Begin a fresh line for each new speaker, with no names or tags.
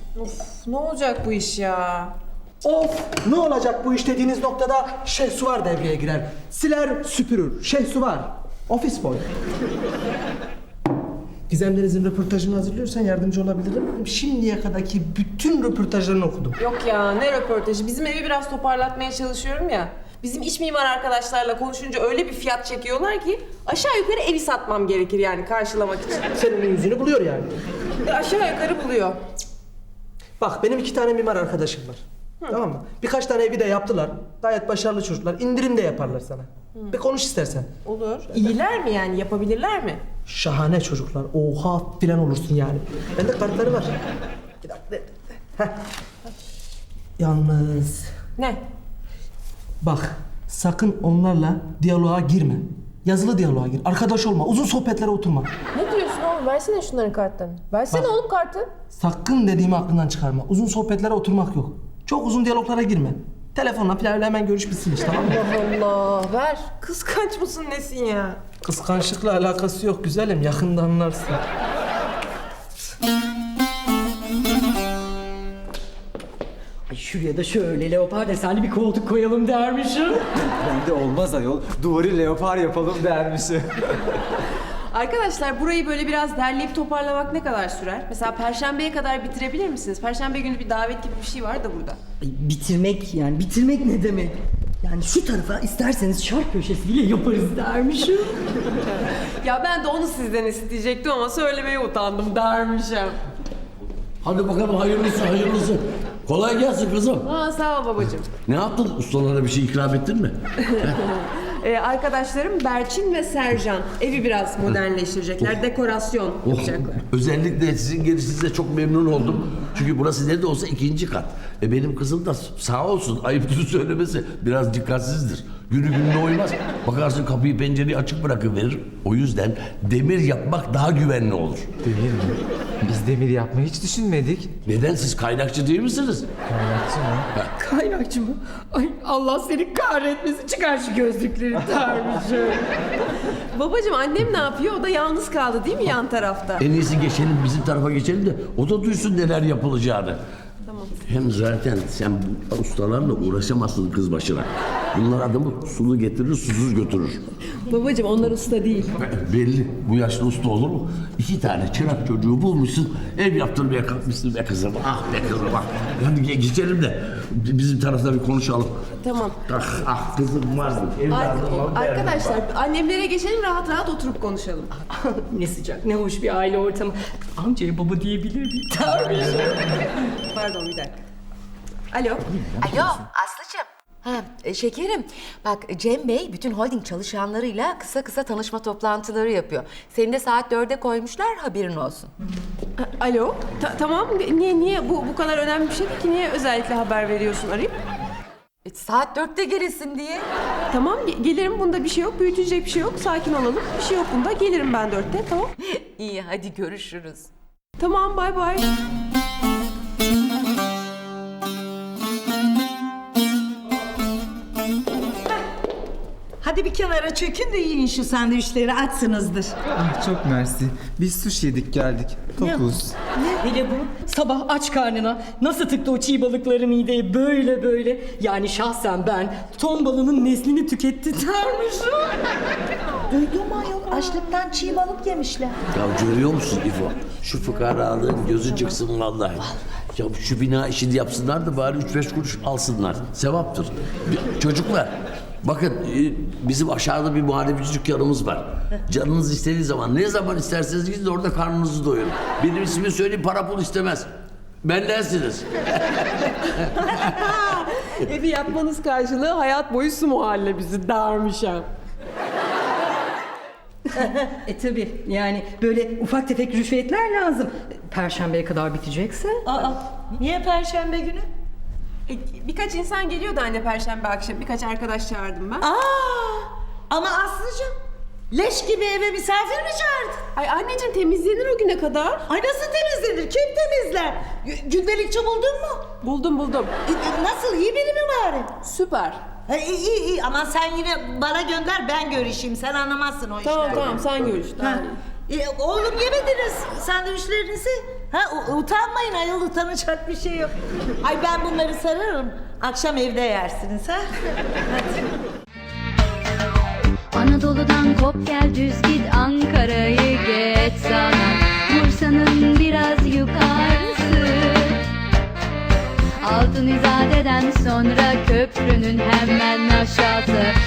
Of, ne olacak bu iş ya?
Of, ne olacak bu iş dediğiniz noktada Şehsuvar devreye girer. Siler, süpürür. Şehsuvar. Ofis boy. Gizemlerinizin röportajını hazırlıyorsan yardımcı olabilirim. Şimdiye kadarki bütün röportajlarını okudum.
Yok ya, ne röportajı? Bizim evi biraz toparlatmaya çalışıyorum ya. Bizim iç mimar arkadaşlarla konuşunca öyle bir fiyat çekiyorlar ki aşağı yukarı evi satmam gerekir yani karşılamak için.
Senin yüzünü buluyor yani.
Aşağı yukarı buluyor.
Bak benim 2 tane mimar arkadaşım var. Tamam mı? Birkaç tane evi de yaptılar. Gayet başarılı çocuklar. İndirim de yaparlar sana. Bir konuş istersen.
Olur. İyiler mi yani? Yapabilirler mi?
Şahane çocuklar. Oha filan olursun yani. Bende kartları var. Bir dakika. Heh. Yalnız
Ne?
bak sakın onlarla diyaloğa girme. Yazılı diyaloğa gir. Arkadaş olma. Uzun sohbetlere oturma.
Ne diyorsun oğlum? Versene şunların kartlarını. Versene
Bak.
oğlum kartı.
Sakın dediğimi aklından çıkarma. Uzun sohbetlere oturmak yok. Çok uzun diyaloglara girme. Telefonla falan hemen görüş bitsin işte, tamam mı?
Allah Allah. Ver. Kıskanç mısın nesin ya?
Kıskançlıkla alakası yok güzelim. Yakında anlarsın.
Ay şuraya da şöyle leopar desenli bir koltuk koyalım dermişim.
Ben de olmaz ayol. Duvarı leopar yapalım dermişim.
Arkadaşlar burayı böyle biraz derleyip toparlamak ne kadar sürer? Mesela Perşembe'ye kadar bitirebilir misiniz? Perşembe günü bir davet gibi bir şey var da burada.
Ay, bitirmek ne demek? Yani şu tarafa isterseniz şark köşesi bile yaparız dermişim.
Ya ben de onu sizden isteyecektim ama söylemeye utandım dermişim.
Hadi bakalım hayırlısı hayırlısı. Kolay gelsin kızım.
Aa, sağ ol babacığım.
Ne yaptın? Ustalara bir şey ikram ettin mi?
Arkadaşlarım Berçin ve Sercan evi biraz modernleştirecekler, dekorasyon
Oh,
yapacaklar.
özellikle sizin gelişinize çok memnun oldum. Çünkü burası ne de olsa 2. kat. Benim kızım da sağ olsun ayıptır söylemesi biraz dikkatsizdir. Günü gününe uymaz. Bakarsın kapıyı pencereyi açık bırakıverir. O yüzden demir yapmak daha güvenli olur.
Demir mi? Biz demir yapmayı hiç düşünmedik.
Neden siz kaynakçı değil misiniz?
Kaynakçı mı?
Kaynakçı mı? Ay Allah seni kahretmesin, çıkar şu gözlükleri dermişim.
Babacığım annem ne yapıyor? O da yalnız kaldı değil mi yan tarafta?
En iyisi geçelim bizim tarafa geçelim de o da duysun neler yapılacağını.
Tamam.
Hem zaten sen bu ustalarla uğraşamazsın kız başına. Bunlar adamı sulu getirir, susuz götürür.
Babacığım onlar usta değil.
Belli. Bu yaşta usta olur mu? 2 tane çırak çocuğu bulmuşsun, ev yaptırmaya kalkmışsın be kızım. Ah be kızım ah. Hadi geçelim de bizim tarafta bir konuşalım.
Tamam.
Ah kızım vardı. Evladım var.
Arkadaşlar annemlere geçelim rahat rahat oturup konuşalım.
Ne sıcak, ne hoş bir aile ortamı. Amcaya baba diyebilir miyim? Dermişim.
Pardon bir dakika. Alo.
Alo Aslı'cığım. Şekerim, bak Cem Bey bütün holding çalışanlarıyla kısa kısa tanışma toplantıları yapıyor. Seni de saat 4'e koymuşlar, haberin olsun.
Alo. Tamam. Niye bu kadar önemli bir şey değil ki? Niye özellikle haber veriyorsun arayıp?
Saat 4'te gelesin diye.
Tamam gelirim bunda bir şey yok. Büyütecek bir şey yok. Sakin olalım. Bir şey yok bunda. Gelirim ben 4'te tamam.
İyi, hadi görüşürüz.
Tamam bay bay.
Hadi bir kenara çökün de yiyin şu sandviçleri, açsınızdır.
Ah çok mersi. Biz sushi yedik geldik. Tokuz.
Hele bu sabah aç karnına nasıl tıktı o çiğ balıkları mideye böyle. Yani şahsen ben ton balığının neslini tüketti dermişim.
Duydum ayol, açlıktan çiğ balık yemişler.
Ya görüyor musun İfo? Şu fıkaralığın gözü çıksın vallahi. Ya şu bina işini yapsınlar da bari 3-5 kuruş alsınlar. Sevaptır. Çocuklar bakın bizim aşağıda bir muhallebici dükkanımız var. Canınız istediği zaman ne zaman isterseniz gidin orada karnınızı doyurun. Benim ismimi söyleyeyim para pul istemez. Bendensiniz.
Evi yapmanız karşılığı hayat boyu su muhallebisi dermişim.
Tabii yani böyle ufak tefek rüşvetler lazım. Perşembeye kadar bitecekse.
Aa, niye perşembe günü?
Birkaç insan geliyordu anne perşembe akşam. Birkaç arkadaş çağırdım ben.
Ama Aslı'cığım, leş gibi eve misafir mi çağırdın?
Ay anneciğim temizlenir o güne kadar.
Ay nasıl temizlenir? Kim temizler? Gündelikçi buldun mu?
Buldum.
Nasıl, iyi biri mi bari?
Süper.
Ha, iyi ama sen yine bana gönder, ben görüşeyim. Sen anlamazsın o işlerden.
Tamam sen görüş.
Ha. Oğlum yemediniz sandviçlerinizi. Utanmayın ayol, utanacak bir şey yok. Ay ben bunları sararım. Akşam evde yersiniz ha.
Anadolu'dan kop gel düz git, Ankara'yı geç sana, Bursa'nın biraz yukarısı. Altın İzade'den sonra köprünün hemen aşağısı.